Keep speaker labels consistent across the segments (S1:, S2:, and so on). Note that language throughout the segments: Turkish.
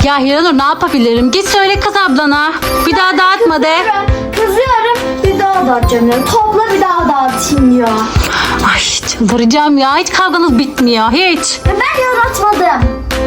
S1: Ya Hiranur ne yapabilirim? Git söyle kız ablana. Bir daha dağıtma de.
S2: Kızıyorum, bir daha dağıtacağım ya. Topla bir daha dağıtayım ya.
S1: Ay çıldıracağım ya. Hiç kavganız bitmiyor. Hiç.
S2: Ben yaratmadım.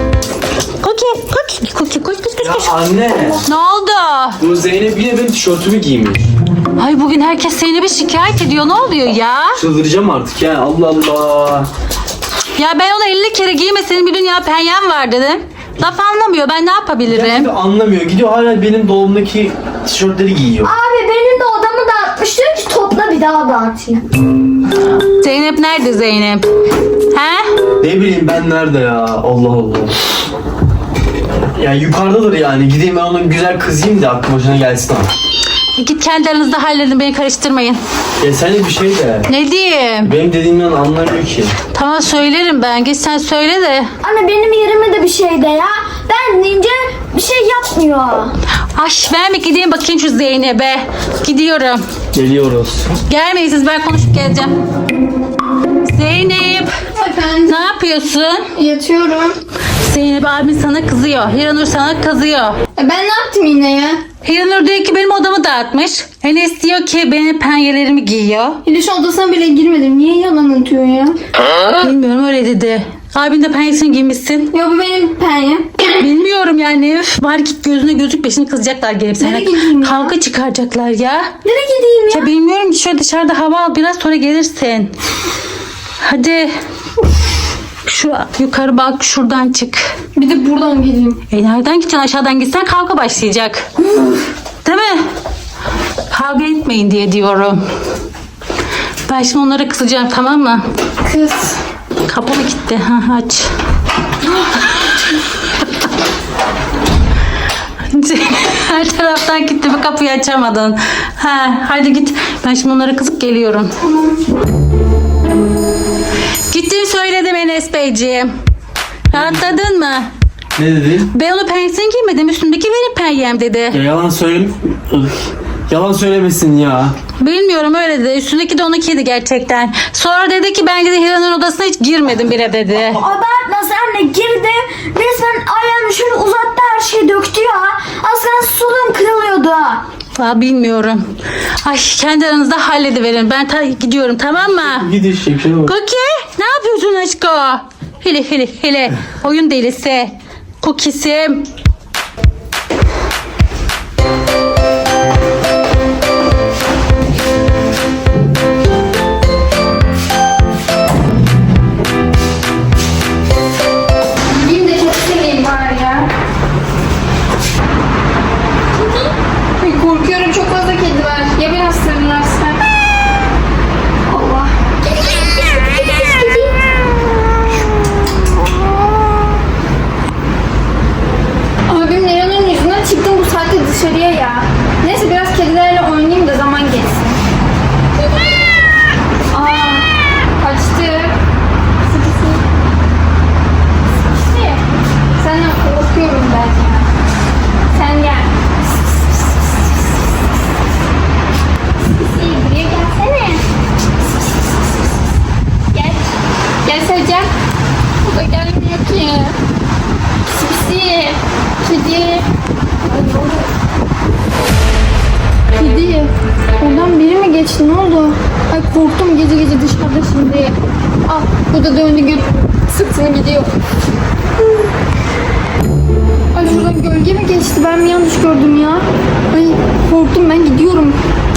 S3: Ya anne.
S1: Ne oldu?
S3: Bu Zeynep yine benim tişörtümü giymiş.
S1: Ay bugün herkes seni bir şikayet ediyor. Ne oluyor ya?
S3: Çıldıracağım artık ya. Allah Allah.
S1: Ya ben ona 50 kere giyme senin bir dünya penyen var dedim. Laf anlamıyor. Ben ne yapabilirim?
S3: Ya anlamıyor. Gidiyor hala benim dolabımdaki tişörtleri giyiyor.
S2: Abi benim de odamı dağıtmış. Diyor ki topla bir daha dağıtayım.
S1: Zeynep nerede Zeynep? He?
S3: Ne bileyim ben nerede ya. Allah Allah. Ya yukarıdadır yani. Gideyim ben ona güzel kızayım da aklı başına gelsin ama.
S1: Git kendi aranızda halledin. Beni karıştırmayın.
S3: Ya sen de bir şey de.
S1: Ne diyeyim?
S3: Benim dediğimden anlamıyor ki.
S1: Tamam söylerim ben. Git sen söyle de.
S2: Anne benim yerime de bir şey de ya. Ben deyince bir şey yapmıyor.
S1: Ay ben mi gideyim bakayım şu Zeynep'e. Gidiyorum.
S3: Geliyoruz.
S1: Gelmeyin siz, ben konuşup geleceğim. Zeynep.
S2: Efendim?
S1: Ne yapıyorsun?
S2: Yatıyorum.
S1: Zeynep abin sana kızıyor. Hiranur sana kızıyor.
S2: Ben ne yaptım yine ya?
S1: Hiranur diyor ki benim odamı dağıtmış. Enes diyor ki benim penyelerimi giyiyor.
S2: Hiliş odasına bile girmedim. Niye yalan atıyor ya?
S1: Bilmiyorum öyle dedi. Abin de penyesini giymişsin.
S2: Ya bu benim penyem.
S1: Bilmiyorum yani. Üf, bari git gözüne gözükme. Şimdi kızacaklar gelip sana.
S2: Nereye gideyim ya?
S1: Kavga çıkaracaklar ya.
S2: Nereye gideyim ya?
S1: Ya bilmiyorum ki, şöyle dışarıda hava al, biraz sonra gelirsin. Hadi. Şu yukarı bak, şuradan çık.
S2: Bir de buradan gideyim.
S1: Nereden gideceksin? Aşağıdan gitsen kavga başlayacak. Değil mi? Kavga etmeyin diye diyorum. Ben şimdi onlara kızacağım, tamam mı?
S2: Kız.
S1: Kapı mı gitti? Ha, aç. Her taraftan gitti, bu kapıyı açamadın. Ha, hadi git. Ben şimdi onlara kızıp geliyorum. Gittim söyledim Enes Beyciğim. Rahatladın mı?
S3: Ne dedin?
S1: Ben onu penyesini giymedim. Üstümdeki benim penyem dedi.
S3: Ya yalan söyle. Yalan söylemesin ya.
S1: Bilmiyorum, öyle dedi. Üstündeki de onunkiydi gerçekten. Sonra dedi ki ben dedi Hiran'ın odasına hiç girmedim bile dedi.
S2: Abartma sen de girdim. Resmen ayağını şöyle uzattı, her şeyi döktü ya. Aslan sulum kırılıyordu.
S1: Aa, bilmiyorum. Ay kendi aranızda hallediverin. Ben gidiyorum, tamam mı?
S3: Git işte bir şey bak.
S1: Cookie ne yapıyorsun aşkım? Hele. Oyun delisi. Cookie'sim.
S2: Gideyim de çok seveyim bari ya. Ay, korkuyorum, çok fazla kedi var. Ya beni ısırırlarsa? Allah. Abim Neran'ın yüzünden çıktım bu saatte dışarıya ya. Neyse biraz kedilerle oynayayım da zaman geçsin. Aa, kaçtı. Sıkısı. Sıkısı. Senden korkuyorum ben ya. Sen gel. Sıkısı, buraya gelsene. Gel. Gel Sevcan. O da gelmiyor ki. Sıkısı. Kedi. Kedi. Oradan biri mi geçti? Ne oldu? Ay korktum gece gece dışarıda şimdi. Ah bu da döndü sırtını gidiyor. Ay şuradan gölge mi geçti? Ben mi yanlış gördüm ya? Ay korktum, ben gidiyorum.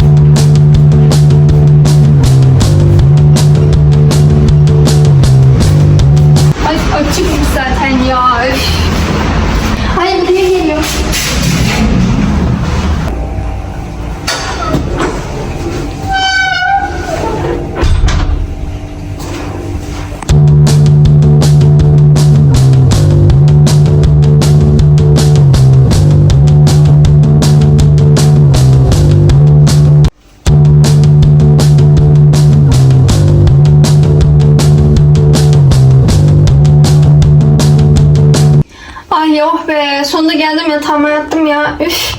S2: Ay açıkmış zaten ya. Öf. Ay buraya geliyor. Ay oh be, sonunda geldim, yatağıma yattım ya. Üf.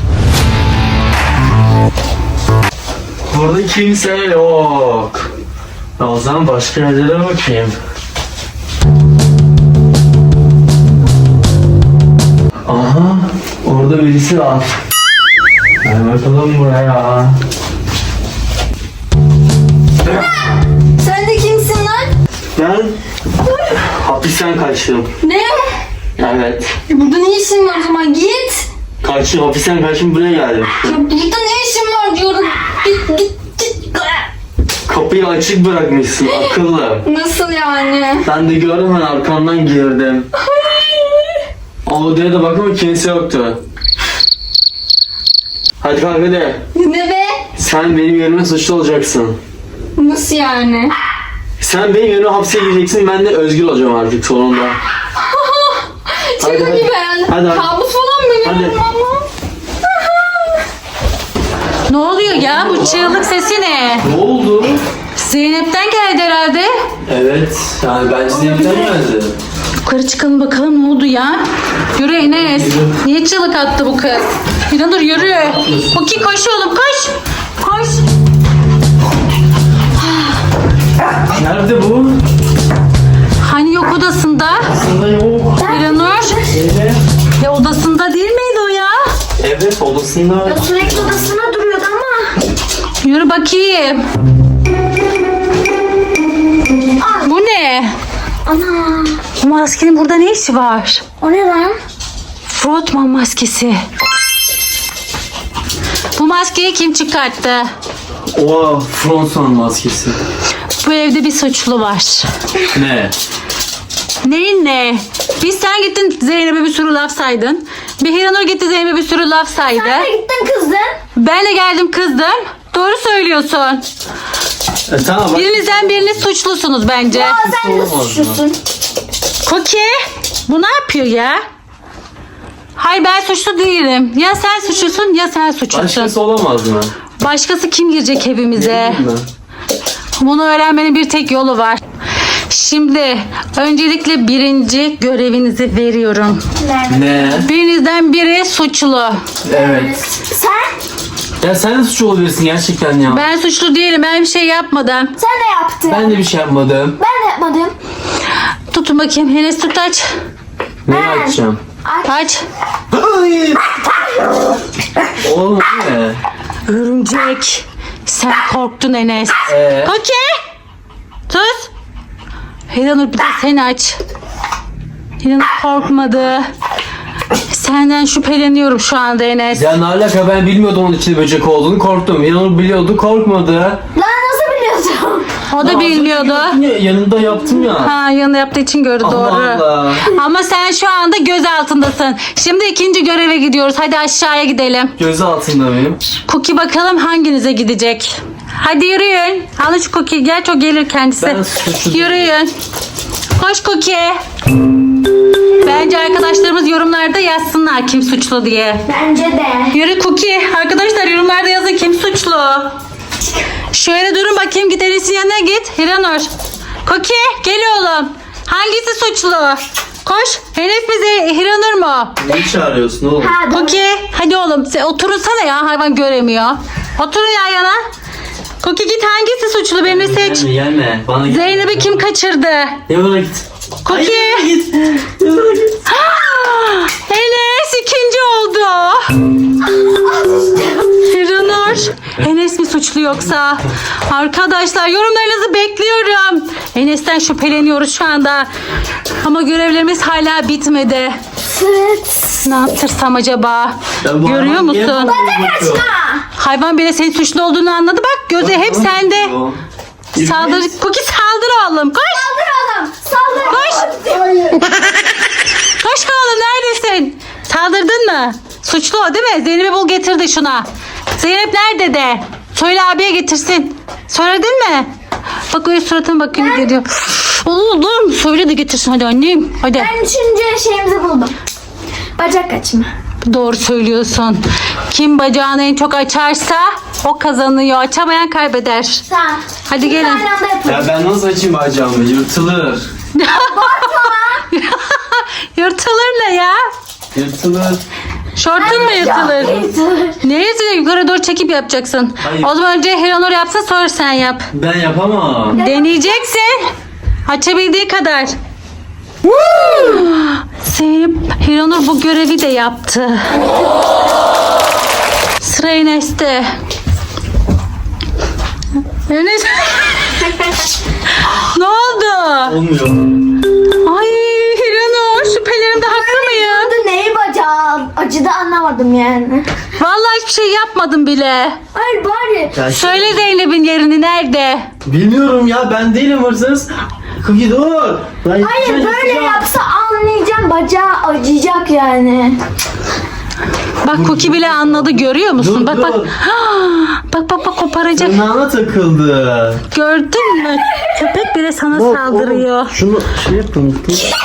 S3: Burada kimse yok. O zaman başka yerlere bakayım. Aha. Burada birisi var. Gel bakalım buraya.
S2: Sen de kimsin lan?
S3: Ben hapisten kaçtım.
S2: Ne?
S3: Evet.
S2: Burada ne işin var o zaman? Git.
S3: Kaçtım, hapisten kaçtım, buraya geldim.
S2: Ya burada ne işin var diyorum. Git.
S3: Kapıyı açık bırakmışsın, akıllı.
S2: Nasıl yani?
S3: Ben de gördüm, ben arkamdan girdim. O odaya da bakma, kimse yoktu. Hadi kalk hadi.
S2: Ne be?
S3: Sen benim yerime suçlu olacaksın.
S2: Nasıl yani?
S3: Sen benim yerime hapse gireceksin, ben de özgür olacağım artık sonunda.
S2: Şaka
S3: Hadi,
S2: gibi herhalde.
S3: hadi.
S2: Kabus falan mı
S3: Hadi.
S2: görüyorum ama?
S1: Ne oluyor ya? Bu çığlık sesi ne?
S3: Ne oldu?
S1: Zeynep'ten geldi herhalde.
S3: Evet, yani bence Zeynep'ten geldi.
S1: Yukarı çıkalım bakalım ne oldu ya? Yürü Enes.
S3: Yürü.
S1: Niye çığlık attı bu kız? Hiranur yürü. Koki koş oğlum koş. Koş.
S3: Nerede bu?
S1: Hani yok odasında?
S3: Aslında yok.
S1: Hiranur.
S3: Evet.
S1: Ya odasında değil miydi o ya?
S3: Evet, odasında.
S2: Sürekli odasına duruyordu ama.
S1: Yürü bakayım. Bu ne?
S2: Ana.
S1: Bu maskenin burada ne işi var?
S2: O ne lan?
S1: Frotman maskesi. Bu maskeyi kim çıkarttı?
S3: Oha, Fronson maskesi.
S1: Bu evde bir suçlu var.
S3: Ne?
S1: Neyin ne? Biz sen gittin Zeynep'e bir sürü laf saydın. Bir Hiranur gitti Zeynep'e bir sürü laf saydı.
S2: Sen de gittin kızdın.
S1: Ben de geldim kızdım. Doğru söylüyorsun.
S3: Tamam bak.
S1: Birinizden biriniz suçlusunuz bence.
S2: Aa sen de
S3: Olamaz mı?
S2: suçlusun.
S1: Koki bu ne yapıyor ya? Hayır ben suçlu değilim. Ya sen suçlusun ya sen suçlusun.
S3: Başkası olamaz mı?
S1: Başkası kim girecek evimize?
S3: Bilmiyorum ben.
S1: Bunu öğrenmenin bir tek yolu var. Şimdi öncelikle birinci görevinizi veriyorum.
S3: Ne?
S1: Birinizden biri suçlu.
S3: Evet.
S2: Sen?
S3: Ya sen de suçlu olabilirsin gerçekten ya.
S1: Ben suçlu değilim. Ben bir şey yapmadım.
S2: Sen ne yaptın?
S3: Ben de bir şey yapmadım.
S2: Ben de yapmadım.
S1: Tutun bakayım. Enes tut aç.
S3: Neyi açacağım?
S1: Aç.
S3: Ay! Oğlum bu ne?
S1: Örümcek. Sen korktun Enes. Koki. Sus. Hiranur bir de sen aç. Hiranur korkmadı. Senden şüpheleniyorum şu anda Enes.
S3: Ya ne alaka, ben bilmiyordum onun içinde böcek olduğunu, korktum. Yanıl biliyordu, korkmadı.
S2: Lan nasıl biliyorsun?
S1: O da bilmiyordu.
S3: Ya, yanında yaptım ya.
S1: Ha yanında yaptığı için gördü
S3: Allah
S1: doğru.
S3: Allah.
S1: Ama sen şu anda göz altındasın. Şimdi ikinci göreve gidiyoruz. Hadi aşağıya gidelim.
S3: Gözü altında benim.
S1: Cookie bakalım hanginize gidecek. Hadi yürüyün. Alın şu Cookie. Gerçi o gelir kendisi.
S3: Ben suçlu değilim.
S1: Yürüyün. Koş Cookie. Bence arkadaşlarımız yorumlarda yazsınlar kim suçlu diye.
S2: Bence de.
S1: Yürü Cookie. Arkadaşlar yorumlarda yazın kim suçlu. Şöyle durun bakayım, git Enes'in yanına git. Hiranur. Cookie gel oğlum. Hangisi suçlu? Koş. Enes mi Hiranur mu?
S3: Neyi çağırıyorsun oğlum?
S2: Ha,
S1: Cookie hadi oğlum sen oturunsana ya, hayvan göremiyor. Oturun yan yana. Cookie git, hangisi suçlu birini seç.
S3: Gelme. Bana git.
S1: Zeynep'i kim kaçırdı?
S3: Yanına git.
S1: Cookie.
S3: Hayır, git. Yanına git.
S1: Enes ikinci oldu. Hiranur. Enes mi suçlu yoksa? Arkadaşlar yorumlarınızı bekliyorum. Enes'ten şüpheleniyoruz şu anda. Ama görevlerimiz hala bitmedi.
S2: Evet.
S1: Ne yaptırsam acaba?
S3: Ya bu
S1: Görüyor
S3: hayvan niye
S1: musun?
S3: bana bakıyor?
S1: Hayvan bile senin suçlu olduğunu anladı. Bak gözü hep
S3: Bana
S1: sende.
S3: bakıyor.
S1: Saldır. Cookie saldır oğlum. Koş.
S2: Saldır oğlum. Saldır.
S1: Koş.
S3: Hayır.
S1: Koş oğlum, neredesin? Saldırdın mı? Suçlu o değil mi? Zeynep'i bul getir de şuna. Zeynep nerede de? Söyle abiye getirsin. Söyledin mi? Bak öyle suratına bakıyor geliyor. Oğlum söyle de getirsin hadi annem. Hadi.
S2: Ben üçüncü şeyimizi buldum. Bacak açma.
S1: Doğru söylüyorsun. Kim bacağını en çok açarsa o kazanıyor. Açamayan kaybeder.
S2: Tamam.
S1: Hadi gelin.
S2: Aynı anda yapalım.
S3: Ya ben nasıl açayım bacağımı? Yırtılır.
S1: Yırtılır ne ya?
S3: Yırtılır.
S1: Şortun mu yırtılır? Neyse yukarı doğru çekip yapacaksın.
S3: Hayır.
S1: O zaman önce Hiranur yapsa sonra sen yap.
S3: Ben yapamam.
S1: Deneyeceksin. Açabildiği kadar. Zeynep, Hiranur bu görevi de yaptı. Sıra Enes'te. Enes. Ne oldu?
S3: Olmuyor.
S1: Ay Hiranur, şüphelerimde haklı mıyım?
S2: Adı neyi bacağım? Acıdı anlamadım yani.
S1: Vallahi hiçbir şey yapmadım bile.
S2: Hayır bari.
S3: Ya
S1: Söyle Zeynep'in yerini nerede?
S3: Bilmiyorum ya, ben değilim hırsız. Cookie dur. Ben
S2: Hayır
S3: yapacağım,
S2: böyle
S3: yapacağım.
S2: yapsa anlayacağım, bacağı acıyacak yani.
S1: Bak Cookie bile anladı, görüyor musun?
S3: Dur,
S1: Bak
S3: dur.
S1: bak. Bak koparacak.
S3: Tırnağına takıldı.
S1: Gördün mü? Köpek bile sana
S3: Bak,
S1: saldırıyor.
S3: oğlum, şunu şey yapın.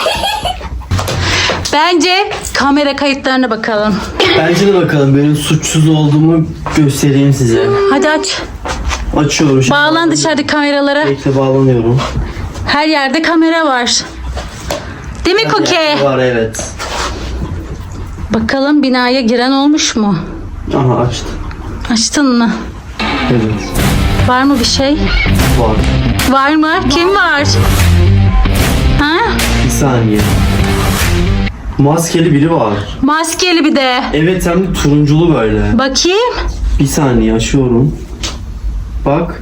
S1: Bence kamera kayıtlarına bakalım.
S3: Bence de bakalım, benim suçsuz olduğumu göstereyim size.
S1: Hadi aç.
S3: Açıyorum şimdi.
S1: Bağlan dışarıdaki kameralara.
S3: Bekle, bağlanıyorum.
S1: Her yerde kamera var. Değil mi Cookie?
S3: Var, evet.
S1: Bakalım binaya giren olmuş mu?
S3: Aha, açtı.
S1: Açtın mı?
S3: Evet.
S1: Var mı bir şey?
S3: Var.
S1: Var mı? Kim var? Ha?
S3: Bir saniye. Maskeli biri var.
S1: Maskeli bir de.
S3: Evet, hem de turunculu böyle.
S1: Bakayım.
S3: Bir saniye, açıyorum. Bak.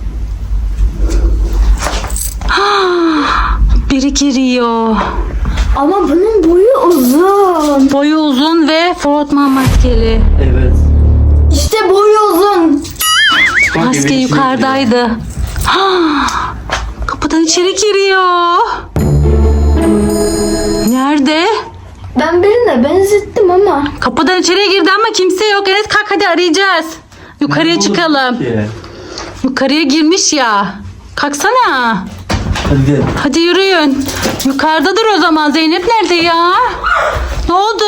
S1: Biri giriyor.
S2: Ama bunun boyu uzun.
S1: Boyu uzun ve frotman maskeli.
S3: Evet.
S2: İşte boyu uzun.
S3: Bak,
S1: Maske
S3: evin içine
S1: yukarıdaydı. Kapıdan içeri giriyor. Nerede?
S2: Ben birine benzettim ama.
S1: Kapıdan içeri girdi ama kimse yok. Enes kalk hadi arayacağız. Yukarıya
S3: giriyor.
S1: çıkalım.
S3: Ki.
S1: Yukarıya girmiş ya. Kalksana.
S3: Hadi gidelim.
S1: Hadi yürüyün. Yukarıdadır o zaman. Zeynep nerede ya? Ne oldu?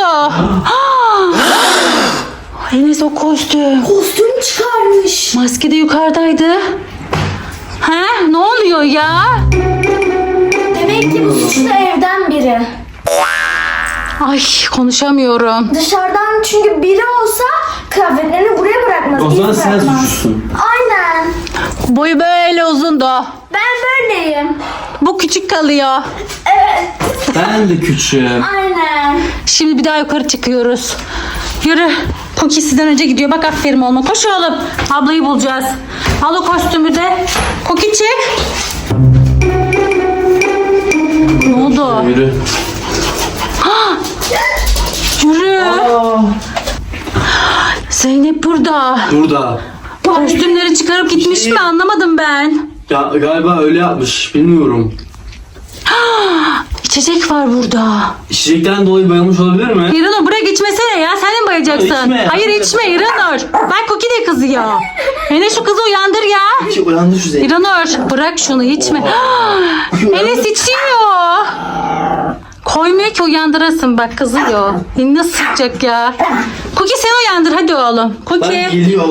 S1: Enes o kostüm.
S2: Kostüm çıkarmış.
S1: Maske de yukarıdaydı. Ha? Ne oluyor ya?
S2: Demek ki bu suçlu evden biri.
S1: Ay konuşamıyorum.
S2: Dışarıdan çünkü biri olsa kıyafetlerini buraya bırakmaz.
S3: O zaman
S2: iz
S3: sen
S2: bırakmaz.
S3: suçlusun.
S2: Aynen.
S1: Boyu böyle uzundu.
S2: Ben böyleyim.
S1: Bu küçük kalıyor.
S2: Evet.
S3: Ben de küçüğüm.
S2: Aynen.
S1: Şimdi bir daha yukarı çıkıyoruz. Yürü. Cookie sizden önce gidiyor. Bak aferin oğlum. Koş oğlum. Ablayı bulacağız. Al o kostümü de. Cookie çık. Ne oldu?
S3: Yürü.
S1: Yürü. Zeynep burada.
S3: Burada.
S1: Kostümleri çıkarıp gitmiş mi anlamadım ben.
S3: Ya galiba öyle yapmış. Bilmiyorum.
S1: İçecek var burada.
S3: İçecekten dolayı bayılmış olabilir mi?
S1: İranur buraya geçmesene ya. Sen de mi bayacaksın?
S3: İçme.
S1: Hayır içme İranur. Bak Cookie de kızıyor. Enes şu kızı uyandır ya.
S3: Ki uyandı şu Zeynep.
S1: İranur bırak şunu içme. Enes içiyor. Koymuyor ki uyandırasın bak kızıyor. Nasıl sıkacak ya. Cookie sen uyandır hadi oğlum.
S3: Bak
S1: Cookie.
S3: geliyor.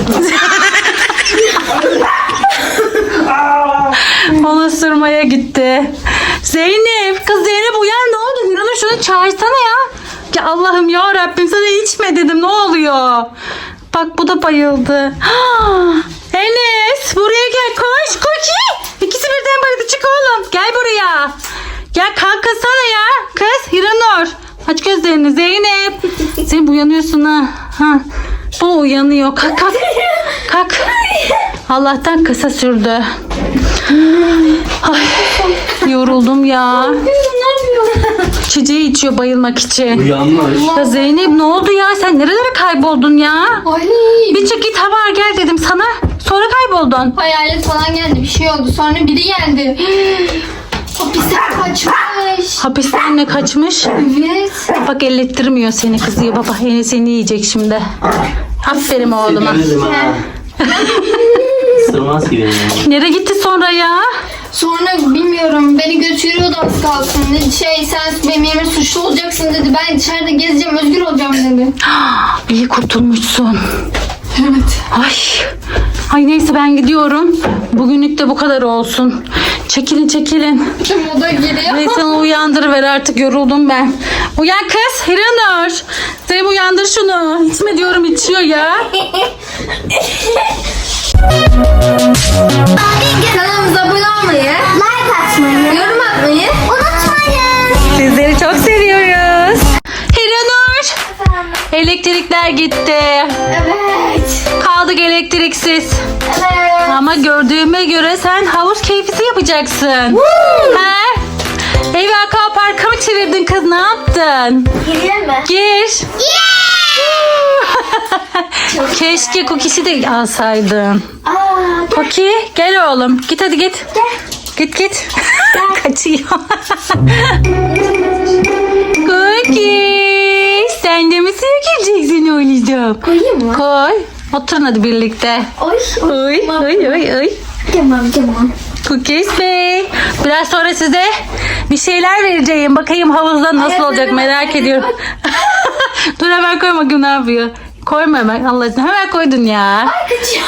S1: Onu ısırmaya gitti. Zeynep kız Zeynep uyan ne oldu? İranur şunu çağırsana ya. Ya Allah'ım ya Rabbim sana içme dedim ne oluyor? Bak bu da bayıldı. Enes buraya gel koş Cookie. İkisi birden bayıldı çık oğlum. Gel buraya. Ya kalkasana ya. Kız Hiranur. Aç gözlerini Zeynep. Sen uyanıyorsun ha. Bu uyanıyor. Kalk kalk. Kalk. Allah'tan kısa sürdü. Ay, yoruldum ya. Çiçeği içiyor bayılmak için.
S3: Uyanmış.
S1: Ya Zeynep ne oldu ya? Sen nerelere kayboldun ya?
S2: Ay.
S1: Bir çık git hava al gel dedim sana. Sonra kayboldun.
S2: Hayalet falan geldi, bir şey oldu. Sonra biri geldi. Hapisten kaçmış.
S1: Hapisten ne kaçmış?
S2: Evet.
S1: Bak ellettirmiyor seni kızıyor. Baba seni yiyecek şimdi. Aferin oğluma.
S3: Severim ha. Sırmaz ki beni.
S1: Nereye gitti sonra ya?
S2: Sonra bilmiyorum, beni götürüyordu az kalsın. Sen benim yerime suçlu olacaksın dedi. Ben dışarıda gezeceğim, özgür olacağım dedi.
S1: İyi kurtulmuşsun.
S2: Evet.
S1: Ay. Ay neyse ben gidiyorum. Bugünlük de bu kadar olsun. Çekilin çekilin.
S2: O da geliyor.
S1: Neyse onu uyandırıver artık yoruldum ben. Uyan kız Hiranur. Zeynep uyandır şunu. İçme diyorum içiyor ya.
S2: Kanalımıza abone olmayı, like atmayı, yorum atmayı unutmayın.
S1: Sizleri çok seviyorum. Elektrikler gitti.
S2: Evet.
S1: Kaldık elektriksiz.
S2: Evet.
S1: Ama gördüğüme göre sen havuz keyfisi yapacaksın. He? Evi akvaparka mı çevirdin kız? Ne yaptın?
S2: Gireyim mi?
S1: Gir. Keşke Cookie'si de alsaydın.
S2: Aa,
S1: Cookie gel oğlum. Git hadi git.
S2: gel.
S1: Git. Kaçıyor. Cookie. Sen de mi suya gireceksin oğlum?
S2: Koyayım mı?
S1: Koy. Oturun hadi birlikte.
S2: Oy.
S1: Oy oy oy oy.
S2: Tamam.
S1: Cookies Bey. Biraz sonra size bir şeyler vereceğim. Bakayım havuzda nasıl
S2: Evet,
S1: olacak
S2: evet,
S1: merak
S2: evet.
S1: ediyorum. Dur hemen koy bakayım ne yapıyor. Koyma hemen Allah aşkına. Hemen koydun ya.
S2: Kaçıyor.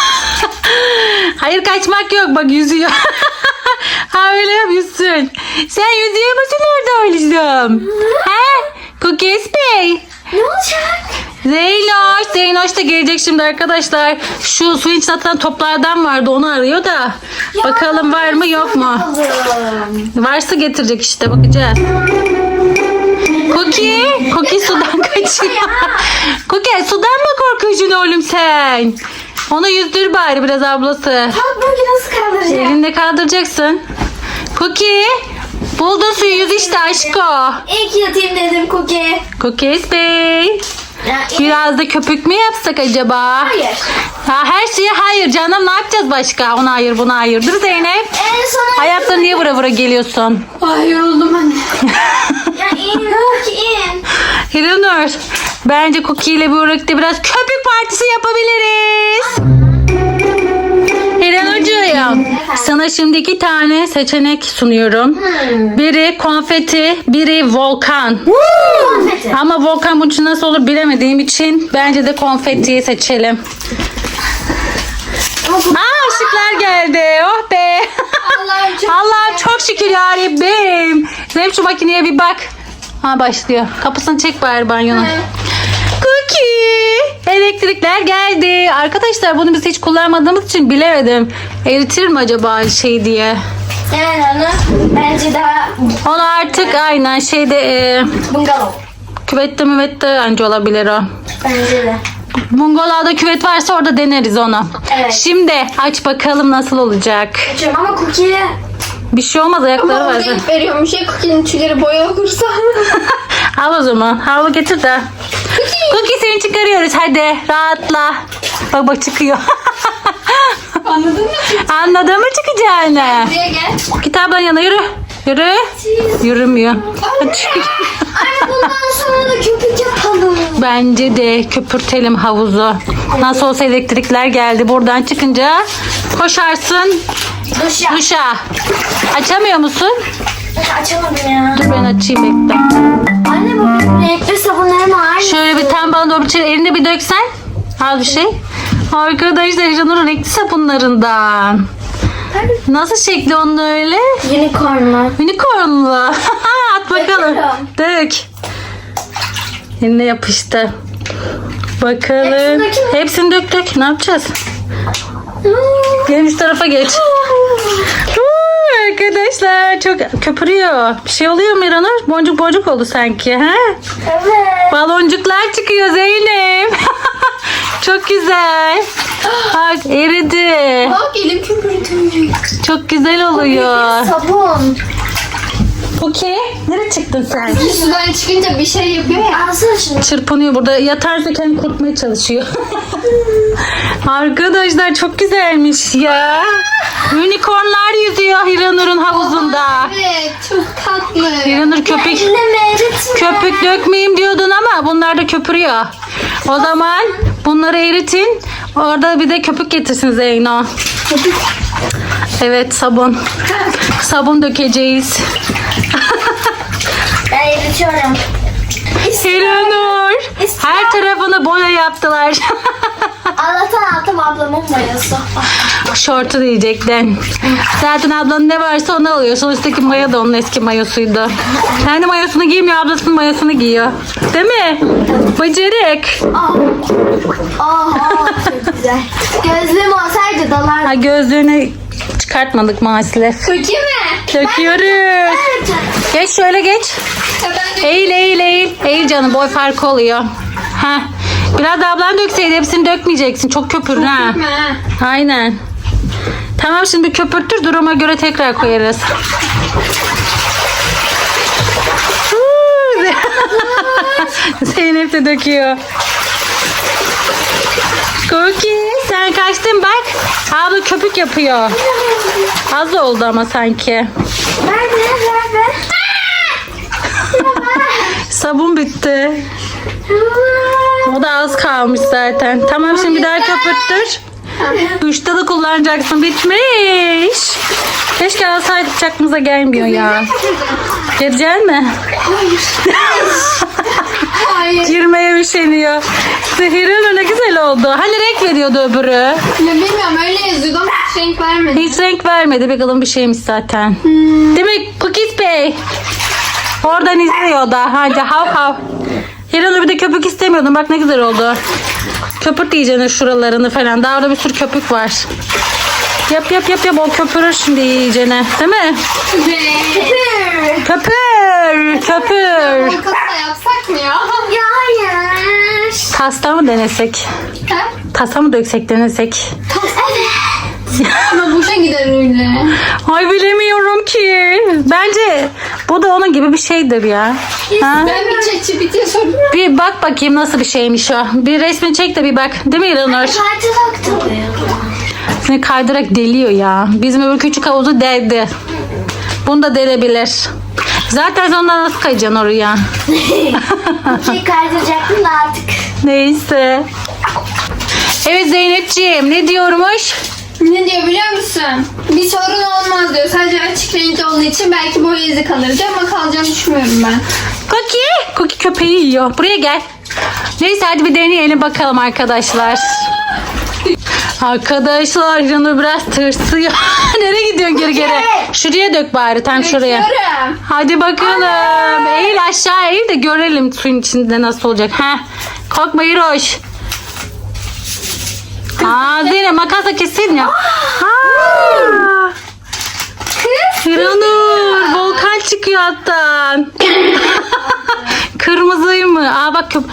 S1: Hayır kaçmak yok bak yüzüyor. Ha öyle yapıyorsun. Sen yüzüyor musun orada oğlum? He? Cookies Bey.
S2: Ne olacak?
S1: Zeynoş da gelecek şimdi arkadaşlar. Şu suyun içine atılan toplardan vardı onu arıyor da. Bakalım var mı yok mu?
S2: Aldım.
S1: Varsa getirecek işte bakacağız. Cookie sudan kaçıyor. Cookie sudan mı korkuyorsun oğlum sen? Onu yüzdür bari biraz ablası.
S2: Bugün nasıl kaldıracağım?
S1: Elinde kaldıracaksın. Cookie buldun suyu yüz işte aşko.
S2: İyi ki yatayım dedim Cookie.
S1: Cookies Bey. Biraz da köpük mü yapsak acaba?
S2: Hayır.
S1: Ha, her şeye hayır canım ne yapacağız başka? Ona hayır buna hayır. Dur Zeynep.
S2: En son
S1: Ayaklarını niye vura vura geliyorsun?
S2: Ay yoruldum anne. Ya in Cookie in.
S1: Hiranur. Bence Cookie ile birlikte biraz köpük partisi yapabiliriz. Hiranurcuğum. Sana şimdi 2 tane seçenek sunuyorum. Biri konfeti, biri volkan.
S2: Konfeti.
S1: Ama volkan bunun için nasıl olur bilemediğim için bence de konfetiyi seçelim. Aa ışıklar geldi. Oh be. Allah'ım çok şükür yarabbim. Zeynep şu makineye bir bak. Ha başlıyor. Kapısını çek bari banyonun.
S2: Evet.
S1: Cookie. Elektrikler geldi. Arkadaşlar bunu biz hiç kullanmadığımız için bilemedim. Eritir mi acaba şey diye.
S2: Yani onu bence daha
S1: Onu artık aynen şeyde
S2: bungalov.
S1: küvette müvette anca olabilir o.
S2: Bence de.
S1: Bungalovda küvet varsa orada deneriz onu.
S2: Evet.
S1: Şimdi aç bakalım nasıl olacak.
S2: Açıyorum ama Cookie'ye
S1: Bir şey olmaz ayakları var.
S2: renk veriyormuş ya Cookie'nin tüyleri boya olursa.
S1: Al o zaman. Havlu getir de. Cookie seni çıkarıyoruz hadi. Rahatla. Bak çıkıyor.
S2: Anladın mı?
S1: Anladın mı çıkacağını?
S2: Buraya gel.
S1: Kitabın yanına yürü. Yürü. Yürümüyor.
S2: Anne bundan sonra da köpük yapalım.
S1: Bence de köpürtelim havuzu. Nasıl olsa elektrikler geldi. Buradan çıkınca koşarsın
S2: Duşa.
S1: duşa. Açamıyor musun?
S2: Açamadım ya.
S1: Dur ben açayım bekle.
S2: Anne bu renkli sabunlarım var.
S1: Şöyle bir tane bana doğru bir elini bir döksen. Al bir şey. Arkadaşlar Canur'un renkli sabunlarından. Nasıl şekli onun öyle?
S2: Unicorn mu?
S1: Unicornlu. At bakalım.
S2: Döküyorum.
S1: Dök. Eline yapıştı. Bakalım.
S2: Hepsini dökeyim mi?
S1: Hepsini dök. Ne yapacağız? Gelin şu tarafa geç. Arkadaşlar çok köpürüyor. Bir şey oluyor mu İranur? Boncuk boncuk oldu sanki. Ha?
S2: Evet.
S1: Baloncuklar çıkıyor Zeynep. Çok güzel. Bak eridi.
S2: Bak elim köpürdü.
S1: Çok güzel oluyor.
S2: Sabun.
S1: Okey. Nereye çıktın sen?
S2: Sudan çıkınca bir şey yapıyor ya. Alsana şunu.
S1: Çırpınıyor burada. Yatarsa kendini kurtmaya çalışıyor. Arkadaşlar çok güzelmiş ya. Unicornlar yüzüyor Hiranur'un havuzunda.
S2: Evet çok tatlı.
S1: Hiranur köpük köpük dökmeyeyim diyordun ama bunlar da köpürüyor. O zaman bunları eritin. Orada bir de köpük getirsin Zeyno. Evet sabun. Sabun dökeceğiz.
S2: Ben eritiyorum.
S1: Hiranur. Her tarafını boya yaptılar.
S2: Allah'tan aldım ablamın boyası.
S1: Şortu diyecektin. Zaten ablanın ne varsa onu alıyor. Sonuçtaki maya da onun eski mayosuydu. Kendi mayosunu giymiyor, ablasının mayosunu giyiyor. Değil mi? Bıcırık.
S2: Çok güzel. Gözlüğüm olsaydı dalardım.
S1: Ha, gözlüğünü çıkartmadık maalesef.
S2: Kökü mü?
S1: Döküyoruz. Geç şöyle geç.
S2: Ben de
S1: Eğil. Eğil canım boy farkı oluyor. Heh. Biraz da ablan dökseydi, hepsini dökmeyeceksin. Çok köpür ha.
S2: Dökme ha.
S1: Aynen. Tamam, şimdi köpürtür, duruma göre tekrar koyarız. Zeynep de döküyor. Cookie, sen kaçtın bak. Abla köpük yapıyor. Az oldu ama sanki.
S2: Nerede?
S1: Sabun bitti. O da az kalmış zaten. Tamam, şimdi bir daha köpürttür. Duşta da kullanacaksın. Bitmiş. Keşke alsaydık, çakmıza gelmiyor ya. Gireceksin mi?
S2: Hayır.
S1: Girmeye üşeniyor. Zehir'in ne güzel oldu. Hani renk veriyordu öbürü.
S2: Ya bilmiyorum, öyle yazıyordu ama hiç renk vermedi.
S1: Hiç renk vermedi. Bir kalın bir şeymiş zaten. Değil mi Cookies Bey? Oradan izliyor da. Hadi hav hav. Hiranur, bir de köpük istemiyordum. Bak ne güzel oldu. Köpürt diyeceğine şuralarını falan. Daha orada bir sürü köpük var. Yap. O köpürür şimdi iyicene. Değil mi? Köpür.
S2: Orkası yapsak mı ya? Hayır.
S1: Tasta mı denesek?
S2: Ha?
S1: Tasa mı döksek denesek?
S2: Evet. Ama boşa gider öyle.
S1: Ay bilemiyorum ki. Bence bu da onun gibi bir şeydir ya. Ha?
S2: Ben bir ChatGPT'ye sordum.
S1: Bir bak bakayım nasıl bir şeymiş o. Bir resmini çek de bir bak. Değil mi İranur?
S2: Kaydıraktım.
S1: Seni kaydırak deliyor ya. Bizim öbür küçük havuzu deldi. Bunu da delebilir. Zaten ondan nasıl kayacaksın oraya?
S2: Kaydıracaktım da artık.
S1: Neyse. Evet Zeynepciğim, ne diyormuş?
S2: Ne diyor biliyor musun? Bir sorun olmaz diyor. Sadece açık renkli olduğu için belki boya izi kalır diyor ama kalacağını düşünmüyorum ben.
S1: Cookie köpeği yiyor. Buraya gel. Neyse hadi bir deneyelim bakalım arkadaşlar. Arkadaşlar Canur biraz tırsıyor. Nereye gidiyorsun geri? Şuraya dök bari, tam şuraya.
S2: Bekliyorum.
S1: Hadi bakalım. Eğil aşağı, eğil de görelim suyun içinde nasıl olacak. Heh. Korkma Hiroş. Zeynep makasla kesin ya. Hiranur, volkan çıkıyor alttan. Kırmızı mı? Bak köp.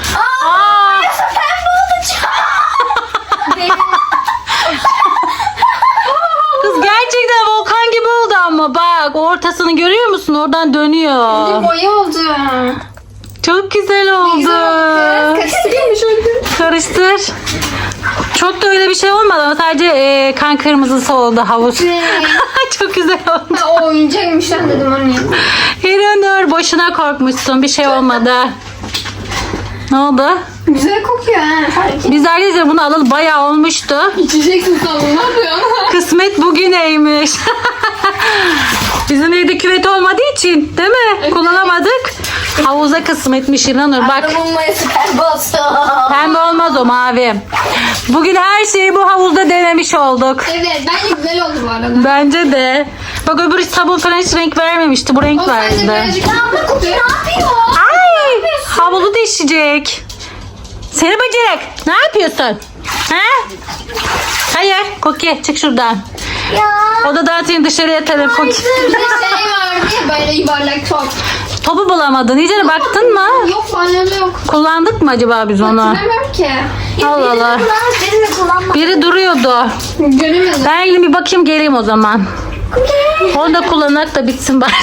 S1: Kız gerçekten volkan gibi oldu ama bak ortasını görüyor musun? Oradan dönüyor.
S2: Boya oldu.
S1: Çok güzel oldu.
S2: Kaçırmış öyle.
S1: Karıştır. Çok da öyle bir şey olmadı ama sadece kan kırmızısı oldu havuz. Çok güzel oldu.
S2: O oyuncakmış lan dedim onu ya.
S1: Hiranur, boşuna korkmuşsun, bir şey olmadı. Ne oldu?
S2: Güzel kokuyor ha.
S1: Biz arkadaşlar bunu alalı bayağı olmuştu.
S2: İçeceksin sandım, ne yapıyorsun?
S1: Kısmet bugüneymiş. Bizim evde küvet olmadığı için değil mi? Kullanamadık. Havuza kısmetmiş İranur bak.
S2: Bulmayası pembe olsun.
S1: Pembe olmaz o, mavi. Bugün her şeyi bu havuzda denemiş olduk.
S2: Evet, bence güzel oldu bu arada.
S1: Bence de. Bak öbür sabun falan hiç renk vermemişti. Bu renk
S2: O sadece
S1: verdi.
S2: birazcık abla kokuyor. Ne yapıyor?
S1: Ay! Havuzu değişecek. Seni bacak. Ne yapıyorsun? Ha? Hayır. Koki çık şuradan.
S2: Ya.
S1: Odadan seni dışarıya atarım. Koki.
S2: Bir de şey vardı ya böyle yuvarlak top.
S1: Topu bulamadın. İyice baktın mı?
S2: Yok banyoda yok.
S1: Kullandık mı acaba biz onu?
S2: Hatırlamıyorum ki.
S1: Allah Allah.
S2: Birini kullanmadım.
S1: Biri duruyordu.
S2: Göremedim.
S1: Ben gidip bir bakayım geleyim o zaman. Onu da kullanarak da bitsin bari.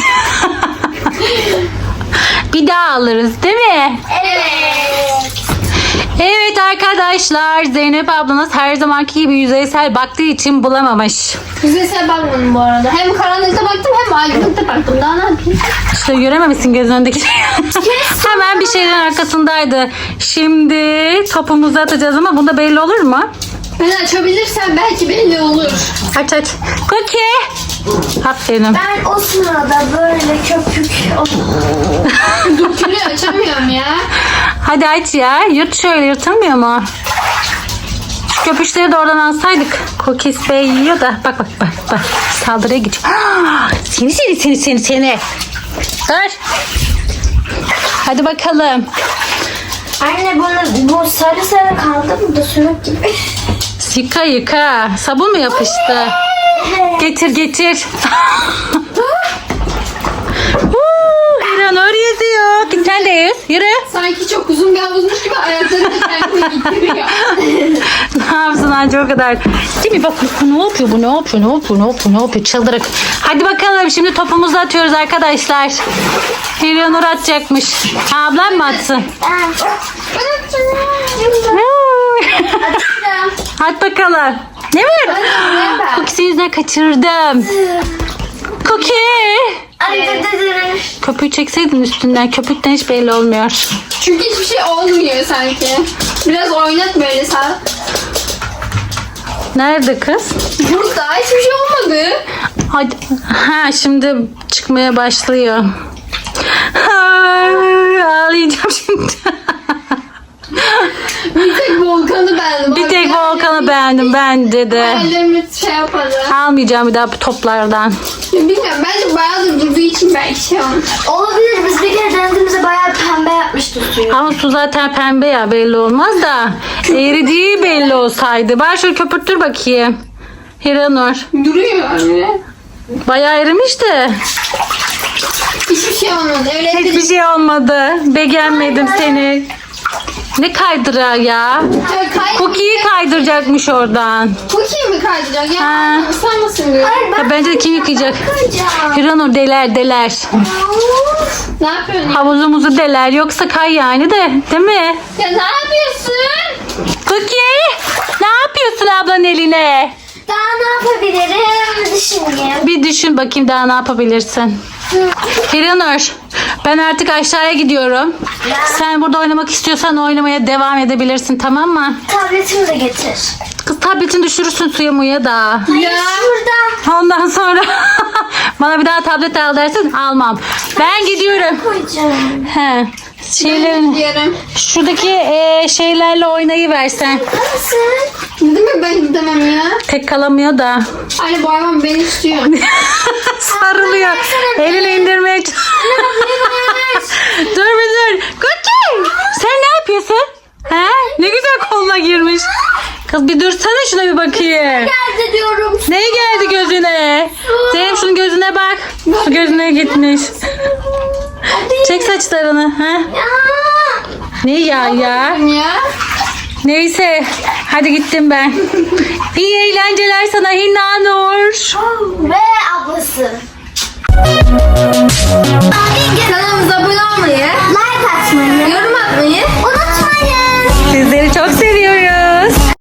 S1: Bir daha alırız değil mi?
S2: Evet.
S1: Evet arkadaşlar, Zeynep ablanız her zamanki gibi yüzeysel baktığı için bulamamış.
S2: Yüzeysel bakmadım bu arada. Hem karanlıkta baktım hem aydınlıkta baktım. Daha ne yapayım?
S1: İşte görememişsin gözün önündeki şey. Hemen bir şeylerin arkasındaydı. Şimdi topumuzu atacağız ama bunda belli olur mu?
S2: Ben açabilirsem belki belli olur.
S1: Aç. Cookie. Aferin.
S4: Ben o sırada böyle köpük
S2: Dökülüyor, açamıyorum ya.
S1: Hadi aç ya. Yırt şöyle, yırtılmıyor mu? Şu köpüşleri de oradan alsaydık. Cookies Bey yiyor da. Bak. Saldırıya geçiyor. Seni. Dur. Hadi bakalım.
S4: Anne bu sarı kaldı mı da sürük gibi.
S1: Yıka. Sabun mu yapıştı? Getir. İranur yüzüyor. Git sen de yüz. Yürü.
S2: Sanki çok uzun bir havuzmuş gibi ayaklarım Kendini getiriyor.
S1: Ne yapsın anca o kadar. Değil mi? Bak ne yapıyor bu? Ne yapıyor? Ne yapıyor? Ne yapıyor? Ne yapıyor? Çıldırık. Hadi bakalım şimdi topumuzu atıyoruz arkadaşlar. Hiranur atacakmış. Ha, ablam mı atsın? At bakalım. Ne var? Cookie yüzünden kaçırdım. Cookie. Köpüğü çekseydin üstünden. Köpükten hiç belli olmuyor.
S2: Çünkü hiçbir şey olmuyor sanki. Biraz oynat böyle sen.
S1: Nerede kız?
S2: Burada hiçbir şey olmadı.
S1: Hadi. Ha, şimdi çıkmaya başlıyor. Ay, ağlayacağım şimdi.
S2: Bir tek Volkan'ı beğendim.
S1: Bir tek Volkan'ı beğendim bence de.
S2: Hayallerimi şey yaparım.
S1: Almayacağım bir daha bu toplardan.
S2: Bilmiyorum bence bayağıdır durduğu için belki şey olmuş.
S4: Olabilir. Biz bir kere denediğimizde bayağı pembe yapmıştı suyu.
S1: Ama su zaten pembe ya, belli olmaz da. Eridiği belli olsaydı. Bari şöyle köpürtür bakayım. Hiranur.
S2: Duruyor öyle.
S1: Bayağı erimiş de.
S2: Hiçbir şey olmadı. Öyle
S1: Hiçbir şey olmadı. Beğenmedim seni. Ne kaydırağı ya? Cookie'yi kaydıracakmış oradan.
S2: Cookie mi kaydıracak?
S1: Ha.
S2: Ya ıslanmasın diyor.
S1: Ya bence de kim yıkayacak? Hiranur deler.
S2: Ne yapıyorsun ya?
S1: Havuzumuzu deler. Yoksa kay yani de. Değil mi?
S2: Ya ne yapıyorsun?
S1: Cookie! Ne yapıyorsun ablanın eline?
S4: Daha ne yapabilirim? Düşüneyim.
S1: Bir düşün bakayım daha ne yapabilirsin. Hiranur, ben artık aşağıya gidiyorum. Sen burada oynamak istiyorsan oynamaya devam edebilirsin, tamam mı?
S4: Tabletimi de getir.
S1: Kız tabletini düşürürsün suya muya da.
S2: Ya.
S4: Şurada
S1: Ondan sonra bana bir daha tablet al dersin, almam. Ben gidiyorum.
S4: koyacağım.
S1: He. Şeylerin,
S2: Diyorum.
S1: şuradaki şeylerle oynayıversen.
S4: Nasıl?
S2: Değil mi ben gidemem ya?
S1: Tek kalamıyor da.
S2: Anne bu hayvan beni istiyor.
S1: Sarılıyor. Elini indirmeye Dur bir dur. Cookie! Sen ne yapıyorsun? He? Ne güzel koluna girmiş. Kız bir dursana şuna bir bakayım.
S4: Nerede diyorum.
S1: Ne geldi gözüne? Zeynep şunun gözüne bak. Su gözüne gitmiş. Çek saçlarını. Ha?
S4: Ya.
S1: Ne ya?
S2: Ya.
S1: Neyse. Hadi gittim ben. İyi eğlenceler sana Hinnanur.
S4: Ve ablası.